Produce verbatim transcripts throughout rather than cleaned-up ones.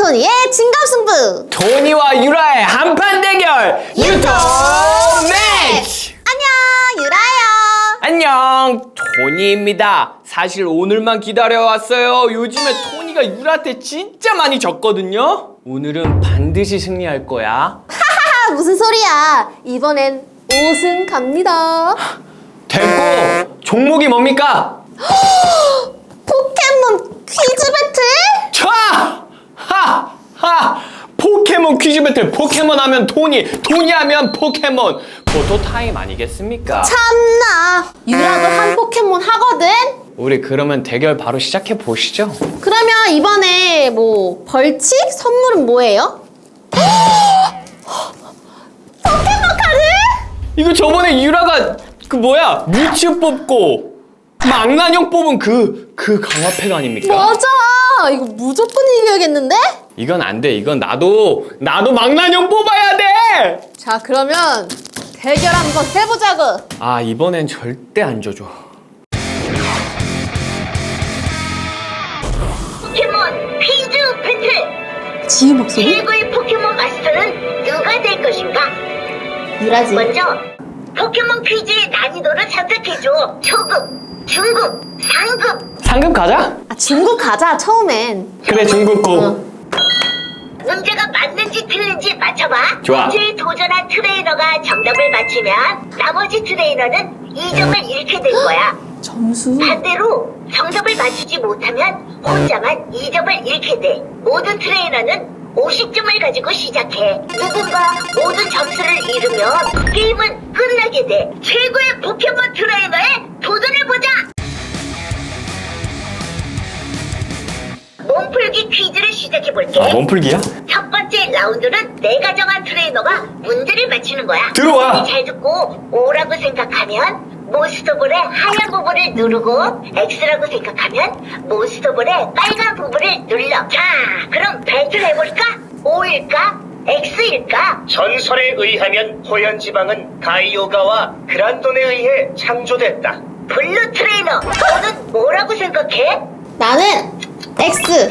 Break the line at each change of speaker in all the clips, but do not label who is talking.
토니의 진검승부!
토니와 유라의 한판 대결 유토 매치!
안녕, 유라예요.
안녕, 토니입니다. 사실 오늘만 기다려왔어요. 요즘에 토니가 유라한테 진짜 많이 졌거든요. 오늘은 반드시 승리할 거야.
하하하, 무슨 소리야. 이번엔 우승 갑니다.
됐고, 종목이 뭡니까?
포켓몬 퀴즈 배틀?
차! 하! 하! 포켓몬 퀴즈 배틀. 포켓몬 하면 토니, 토니 하면 포켓몬. 포토 타임 아니겠습니까?
참나. 유라도 한 포켓몬 하거든?
우리 그러면 대결 바로 시작해 보시죠.
그러면 이번에 뭐 벌칙? 선물은 뭐예요? 포켓몬 카드?
이거 저번에 유라가 그 뭐야 뮤츠 뽑고 망나뇽 뽑은 그, 그 강화팩 아닙니까?
맞아. 이거 무조건 이겨야겠는데?
이건 안 돼. 이건 나도 나도 망나뇽 뽑아야 돼.
자, 그러면 대결 한번 해보자고.
아, 이번엔 절대 안 져줘.
포켓몬 퀴즈 배틀!
지우 목소리?
최고의 포켓몬 마스터는 누가 될 것인가?
유라지.
먼저 포켓몬 퀴즈의 난이도를 선택해줘. 초급, 중급, 상급.
상급 가자.
아, 중국 가자, 처음엔.
그래, 중급 고.
어.
문제가 맞는지 틀린지 맞춰봐.
좋아.
문제에 도전한 트레이너가 정답을 맞히면 나머지 트레이너는 이 점을 잃게 될 거야.
점수?
반대로 정답을 맞히지 못하면 혼자만 이 점을 잃게 돼. 모든 트레이너는 오십 점을 가지고 시작해. 누군가 모든 점수를 잃으면 게임은 끝나게 돼. 최고의 포켓몬 트레이너에 도전해보자! 몸풀기 퀴즈를 시작해볼게.
아, 몸풀기야?
첫 번째 라운드는 내가 정한 트레이너가 문제를 맞히는 거야.
들어와.
잘 듣고 O라고 생각하면 몬스터볼의 하얀 부분을 누르고 X라고 생각하면 몬스터볼의 빨간 부분을 눌러. 자, 그럼 배틀 해볼까? O일까? X일까?
전설에 의하면 호연지방은 가이오가와 그란돈에 의해 창조됐다.
블루 트레이너, 너는 뭐라고 생각해?
나는 X.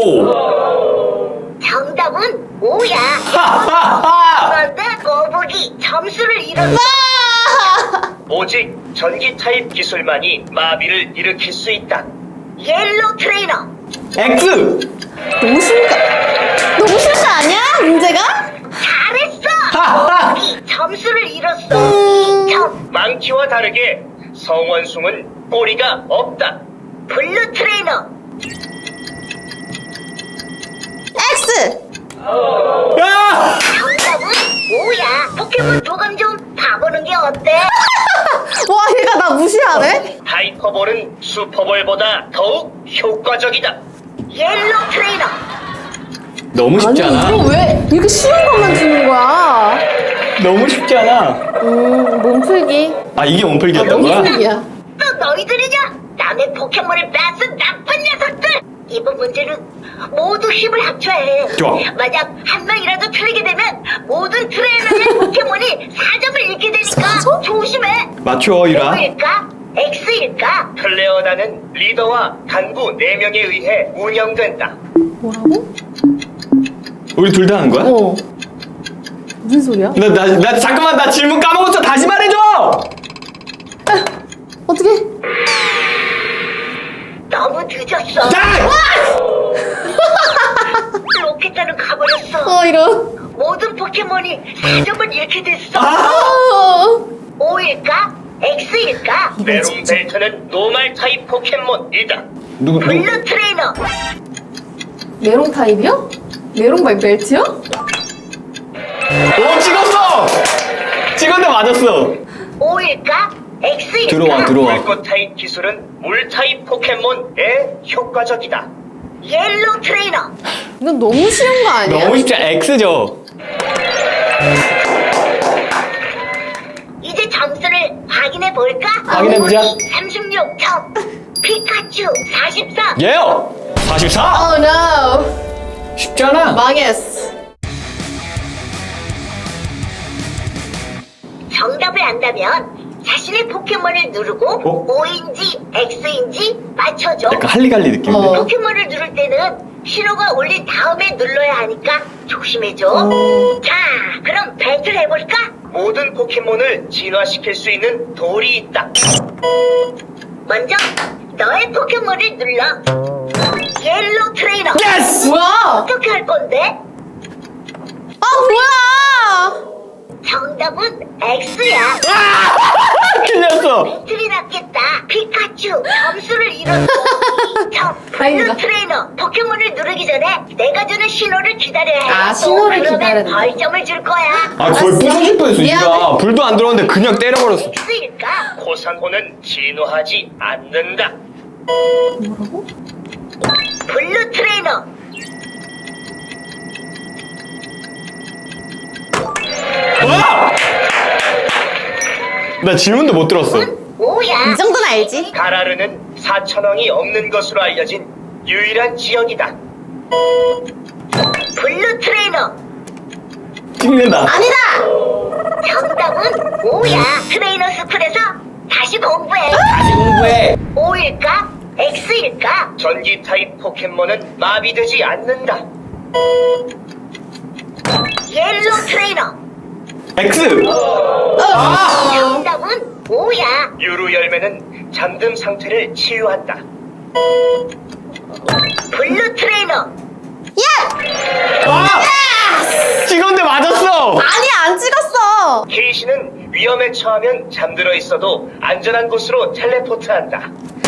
오.
정답은 O야.
하하하.
그런데 거북이 점수를 잃었어.
와!
오직 전기 타입 기술만이 마비를 일으킬 수 있다.
옐로우 트레이너,
X.
너무 쉬운가? 너무 쉬운 거 아니야? 문제가?
잘했어.
하하.
거북이 점수를 잃었어.
음.
이 점.
망치와 다르게 성원숭은 꼬리가 없다.
블루 트레이너,
X.
야!
정답은 O야. 포켓몬 도감 좀 봐보는 게 어때?
와, 얘가 나 무시하네?
하이퍼볼은 슈퍼볼보다 더욱 효과적이다.
옐로우 트레이너,
너무 쉽지 않아?
이거 왜 이렇게 쉬운 것만 주는 거야?
너무 쉽지 않아?
음, 몸풀기.
아, 이게 몸풀기였던 거야?
몸풀기야.
또 너희들이냐? 남의 포켓몬을 뺏은 나쁜 녀석들! 이번 문제는 모두 힘을 합쳐야 해.
좋아.
만약 한 명이라도 틀리게 되면 모든 트레이너의 포켓몬이 사 점을 잃게 되니까
사 점?
조심해.
맞춰, 유라.
O일까? X일까?
클레어나는 리더와 간부 네 명에 의해 운영된다.
뭐라고?
우리 둘 다 하는 거야?
어. 무슨 소리야?
나, 나, 나, 잠깐만, 나 질문 까먹었어. 다시 말해줘!
어떻게?
너무 늦었어.
자!
로켓단은 가버렸어.
어, 이런.
모든 포켓몬이 사 점을 잃게 됐어.
아!
어.
O일까? X일까?
메론 벨트는 노말 타입 포켓몬이다.
누구, 누구?
블루 트레이너,
메롱 타입이요? 메롱 말 벨트요?
오, 찍었어! 찍었는데 맞았어.
O일까? X일까?
들어와, 들어와.
물꽃 타입 기술은 물 타입 포켓몬에 효과적이다.
옐로우 트레이너,
이건 너무 쉬운 거 아니야?
너무 쉽지 않아. X죠?
이제 점수를 확인해 볼까?
확인해보자.
삼십육 점, 피카츄 사십삼.
얘요! 사십사?
Oh no.
쉽지 않아.
망했어.
정답을 안다면 자신의 포켓몬을 누르고
어?
O인지 X인지 맞춰줘.
약간 할리갈리 느낌인데?
어.
포켓몬을 누를 때는 신호가 울린 다음에 눌러야 하니까 조심해줘. 자, 그럼 배틀 해볼까?
모든 포켓몬을 진화시킬 수 있는 돌이 있다.
먼저 너의 포켓몬을 눌러. 옐로우 트레이너.
예스!
뭐야?
어떻게 할 건데?
아 뭐야?
정답은 X야.
틀렸어.
배틀이 났겠다. 피카츄 점수를 잃었어. 저
다행이다.
블루 트레이너 포켓몬을 누르기 전에 내가 주는 신호를 기다려야 해.
아, 신호를
그러면
기다려야 된다.
벌점을 줄 거야.
아 거의 부서질 뻔했어
미안해.
유라. 불도 안 들어왔는데 그냥 때려버렸어.
X일까?
코산호는 진화하지 않는다.
뭐라고?
블루 트레이너.
와! 나 질문도 못 들었어.
오야.
이 정도는 알지?
가라르는 사천왕이 없는 것으로 알려진 유일한 지역이다.
블루 트레이너.
찍는다.
아니다.
정답은 오야. 트레이너 스쿨에서 다시 공부해.
다시 공부해.
오일까? X일까?
전기 타입 포켓몬은 마비되지 않는다.
옐로우 트레이너.
X. 아!
정답은 오야.
유루 열매는 잠든 상태를 치유한다.
블루 트레이너.
야!
아! 찍었는데 맞았어.
아니 안 찍었어.
케이시는 위험에 처하면 잠들어 있어도 안전한 곳으로 텔레포트한다.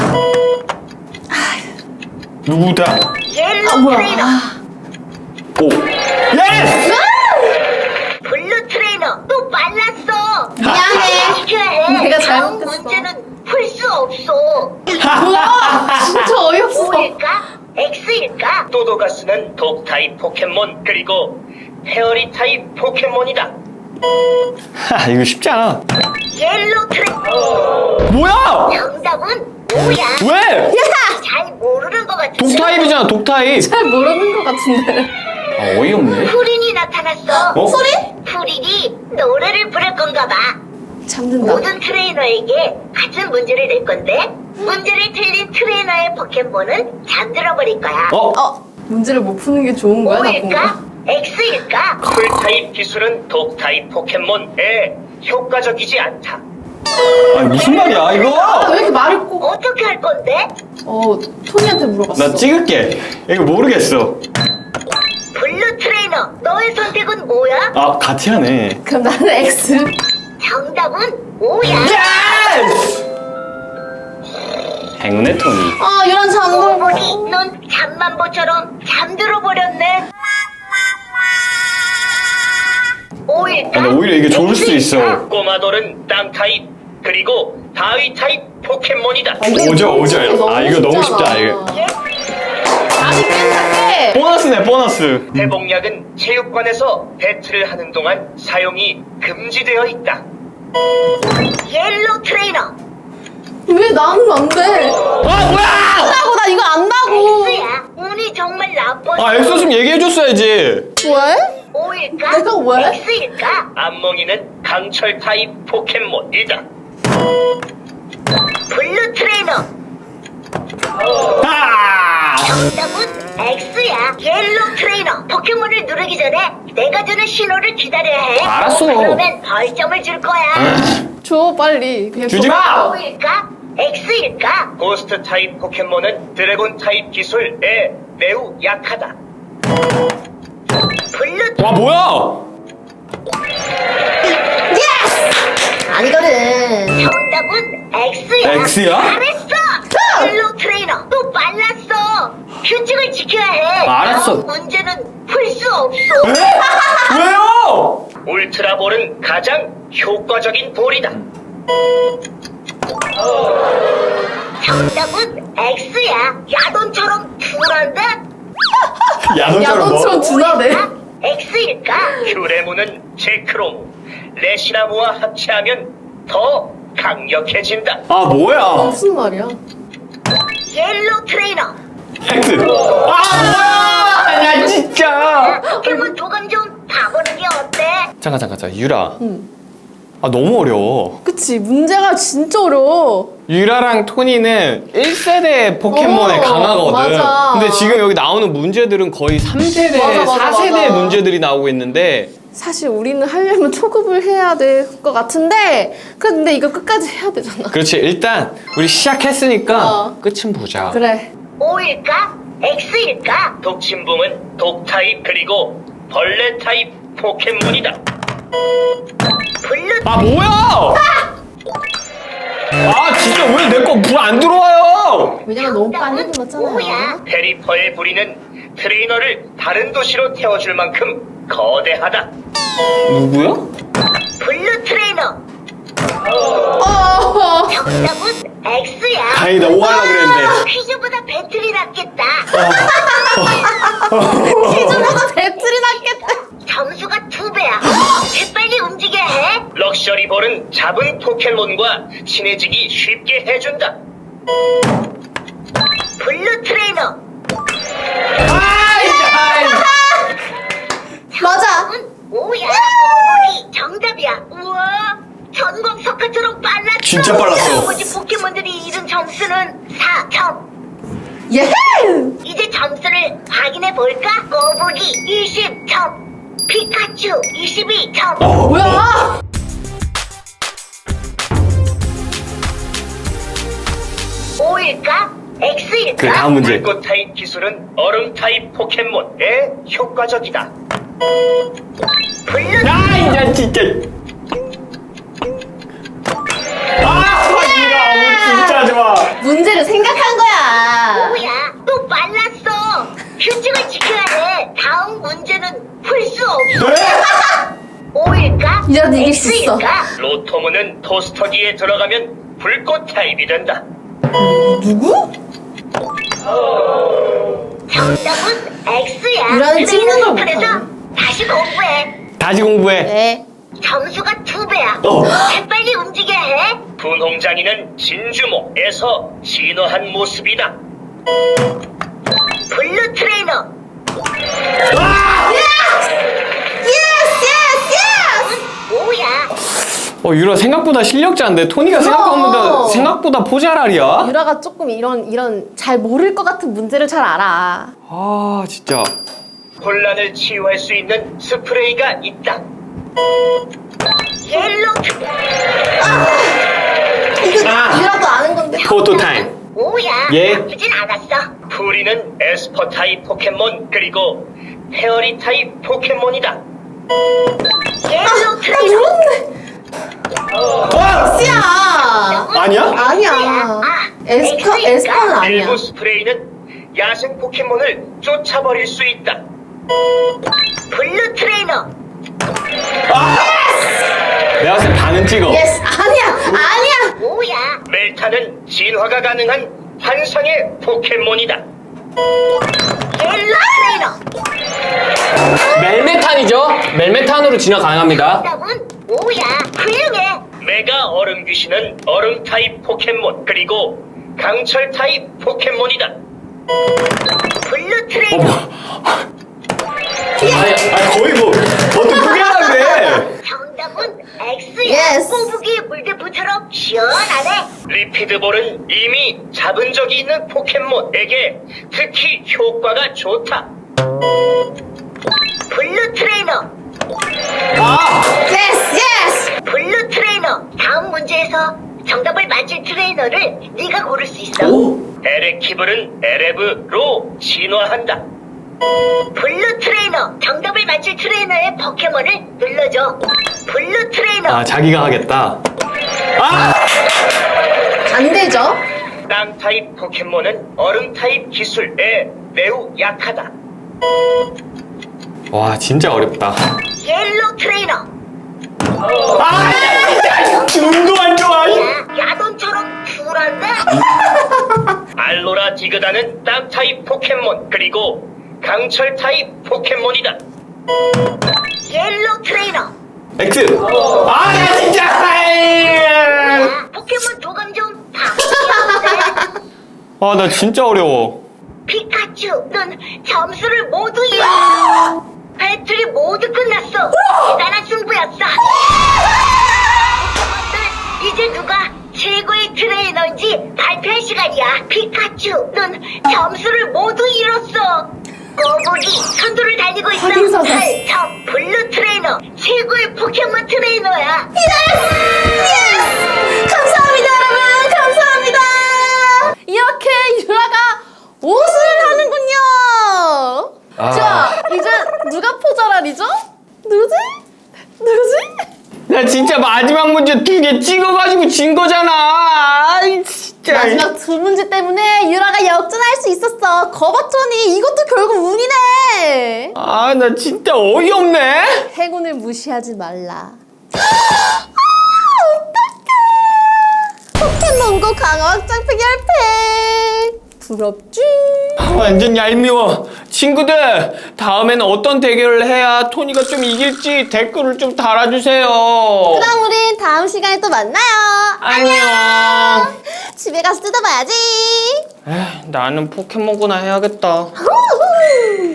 누구다?
옐로우
아 뭐야?
트레이너.
아.
오. 예스!
블루 트레이너. 또 빨랐어.
미안해.
지켜야 해.
내가
다음
잘못했어.
문제는 풀 수 없어.
뭐야? 진짜 어이없어.
오일까? X일까?
또도가스는 독 타입 포켓몬 그리고 페어리 타입 포켓몬이다.
하, 이거 쉽지 않아.
옐로우 트레이너.
뭐야?
정답은 오야.
왜?
야!
잘 모르는 것 같은데.
독타입이잖아, 독타입.
잘 모르는 것 같은데.
아, 어이없네.
푸린이 나타났어.
어?
소리?
푸린이 노래를 부를 건가 봐.
잠든다.
모든 트레이너에게 같은 문제를 낼 건데 문제를 틀린 트레이너의 포켓몬은 잠들어 버릴 거야.
어?
어 문제를 못 푸는 게 좋은 거야 나쁜
O일까?
거야?
X일까?
풀 타입 기술은 독 타입 포켓몬에 효과적이지 않다.
아니, 무슨 말이야,
아, 왜
이거?
이렇게 말을 꼭?
어떻게 할 건데?
어 토니한테 물어봤어.
나 찍을게. 이거 모르겠어.
블루 트레이너, 너의 선택은 뭐야?
아, 같이 하네.
그럼 나는 X.
정답은 O야.
예스! 행운의 토니.
아 이런 잠들.
보니 넌 잠만보처럼 잠들어 버렸네. O일까?
아, 근데 오히려 이게 좋을 수도 있어.
꼬마돌은 땅 타입 그리고 바위 타입 포켓몬이다.
오죠, 오죠. 아, 이거 너무 쉽다, 이거.
예?
아니 깬다게.
보너스네, 보너스.
회복약은 체육관에서 배틀을 하는 동안 사용이 금지되어 있다.
옐로우 트레이너.
왜 나는 안 돼?
아, 뭐야!
안다고 나 이거 안다고.
X야. 운이 정말 나빴어.
아, 엑소 좀 얘기해줬어야지.
왜?
O일까?
내가 왜?
X일까?
안멍이는 강철 타입 포켓몬이다.
블루 트레이너.
아!
정답은 X야. 옐로우 트레이너. 포켓몬을 누르기 전에 내가 주는 신호를 기다려야 해.
알았어.
그러면 벌점을 줄 거야.
줘 빨리. 그냥
주지
줘.
마!
O일까? X일까?
고스트 타입 포켓몬은 드래곤 타입 기술에 매우 약하다.
블루
와, 뭐야?
예스! 아니거든.
정답은 X야.
X야?
잘했어. 옐로우 트레이너. 또 빨랐어. 규칙을 지켜야 해.
아, 알았어.
다음 문제는 풀 수 없어.
왜? 왜요?
울트라볼은 가장 효과적인 볼이다.
정답은 X야. 야돈처럼 둔한데?
야동처럼 뭐?
야동처럼 둔하네.
X일까?
큐레무는 제크로무, 레시나무와 합체하면 더 강력해진다.
아, 뭐야?
무슨 말이야?
옐로우 트레이너.
X. 아, 뭐야? 나 진짜.
포켓몬 도감 좀 봐보는 게 어때?
잠깐, 잠깐, 잠깐. 유라.
응.
아 너무 어려워.
그치, 문제가 진짜 어려워.
유라랑 토니는 일 세대 포켓몬에
어,
강하거든.
맞아.
근데 지금 여기 나오는 문제들은 거의 삼 세대,
맞아, 맞아,
사 세대
맞아.
문제들이 나오고 있는데
사실 우리는 하려면 초급을 해야 될 것 같은데, 근데 이거 끝까지 해야 되잖아.
그렇지. 일단 우리 시작했으니까
어.
끝은 보자.
그래.
O일까? X일까?
독침붕은 독 타입 그리고 벌레 타입 포켓몬이다.
블루
아 뭐야? 아 진짜 왜 내 거 불 안 들어와요?
왜냐면 너무 빨리
뭐야?
눌렀잖아요.
페리퍼의 부리는 트레이너를 다른 도시로 태워줄 만큼 거대하다.
누구야?
블루 트레이너.
어.
정답은 X야.
다행이다. 오 하려고 그랬는데.
퀴즈보다 배틀이 낫겠다.
퀴즈보다 배틀이 낫겠다.
점수가 두 배야. 재빨리 움직여야 해.
럭셔리 볼은 잡은 포켓몬과 친해지기 쉽게 해준다.
블루 트레이너.
맞아.
오야. 오이 정답이야. 우와. 전광석화처럼 빨랐어.
진짜 빨랐어.
나머지 포켓몬들이 잃은 점수는 사 점.
예!
이제 점수를 확인해 볼까? 거북이 이십 점. 피카츄 이십이 점.
뭐야?
O일까? X일까?
그 다음 문제.
불꽃 타입 기술은 얼음 타입 포켓몬에 효과적이다.
블루
아 이제 진짜. 아 이거 진짜 좋아.
문제를 생각한 거야.
뭐야? 또 빨랐어. 규칙을 지켜야 해. 다음 문제는 풀 수 없어.
네?
O일까?
이래도 이길 수 있어.
X일까?
로토무는 토스터기에 들어가면 불꽃 타입이 된다.
누구?
정답은 X야.
유라는 찍는 걸
그래서
못하네.
다시 공부해.
다시 공부해.
네.
점수가 두 배야.
어.
재빨리 움직여야 해.
분홍장이는 진주모에서 진화한 모습이다.
블루 트레이너.
예스, 예스, 예스!
뭐야?
어 유라 생각보다 실력자인데 토니가 생각보다 생각보다 포자랄이야.
유라가 조금 이런, 이런 잘 모를 것 같은 문제를 잘 알아.
아 진짜.
혼란을 치유할 수 있는 스프레이가 있다.
옐로 트.
이거
아.
유라도 아는 건데.
포토 타임.
뭐야?
예.
나쁘진 않았어.
프리는 에스퍼 타입 포켓몬 그리고 페어리 타입 포켓몬이다.
옐로
나
트레이너.
모르는데.
와!
X야.
아니야?
아니야. 에스파,
X일까?
에스파는 아니야.
일부 스프레이는 야생 포켓몬을 쫓아버릴 수 있다.
블루 트레이너.
내가 봤을 때 반은 찍어.
예스. 아니야. 아니야.
뭐야?
멜타는 진화가 가능한 환상의 포켓몬이다.
옐로 트레이너.
멜메탄이죠? 멜메탄으로 진화 가능합니다.
정답은 뭐야? 훌륭해.
메가 얼음 귀신은 얼음 타입 포켓몬 그리고 강철 타입 포켓몬이다.
블루 트레이너.
아니, 아니 거의 뭐 어떻게 포기하는데?
정답은 X야.
Yes.
꼬부기 물대포처럼 시원하네.
리피드볼은 이미 잡은 적이 있는 포켓몬에게 특히 효과가 좋다.
블루 트레이너.
아!
예스, 예스.
블루 트레이너. 다음 문제에서 정답을 맞힐 트레이너를 네가 고를 수 있어.
오?
에레키블은 에레브로 진화한다.
블루 트레이너. 정답을 맞힐 트레이너의 포켓몬을 눌러줘. 블루 트레이너.
아 자기가 하겠다. 아!
안 되죠?
땅 타입 포켓몬은 얼음 타입 기술에 매우 약하다.
와 진짜 어렵다.
옐로 트레이너.
아! 눈도 안 좋아.
야, 야돈처럼 쿨한데?
알로라 디그다는 땅 타입 포켓몬 그리고 강철 타입 포켓몬이다.
옐로 트레이너.
X. 아, 야 진짜.
야, 포켓몬 도감 좀 바꾸겠는데?
아, 나 진짜 어려워.
피카츄, 넌 점수를 모두 잃었어. 배틀이 모두 끝났어. 대단한 승부였어. 가지고 있어.
확인사다.
팔top 블루 트레이너, 최고의 포켓몬 트레이너야.
감사합니다, 여러분. 감사합니다. 이렇게 유라가 옷을 하는군요.
아.
자, 이제 누가 포자랄이죠? 누구지? 누구지?
나 진짜 마지막 문제 두 개 찍어가지고 진 거잖아. 아이 진짜.
마지막 두 문제 때문에 유라가 역전할 수 있었어. 거봤더니 이것도 결국 운이네.
아 나 진짜 어이없네.
행운을 무시하지 말라. 어떡해. 포켓몬고 강화 확장팩 열 팩. 부럽지?
완전 얄미워. 친구들 다음에는 어떤 대결을 해야 토니가 좀 이길지 댓글을 좀 달아주세요.
그럼 우린 다음 시간에 또 만나요.
안녕.
집에 가서 뜯어봐야지.
에휴, 나는 포켓몬고나 해야겠다.
후후.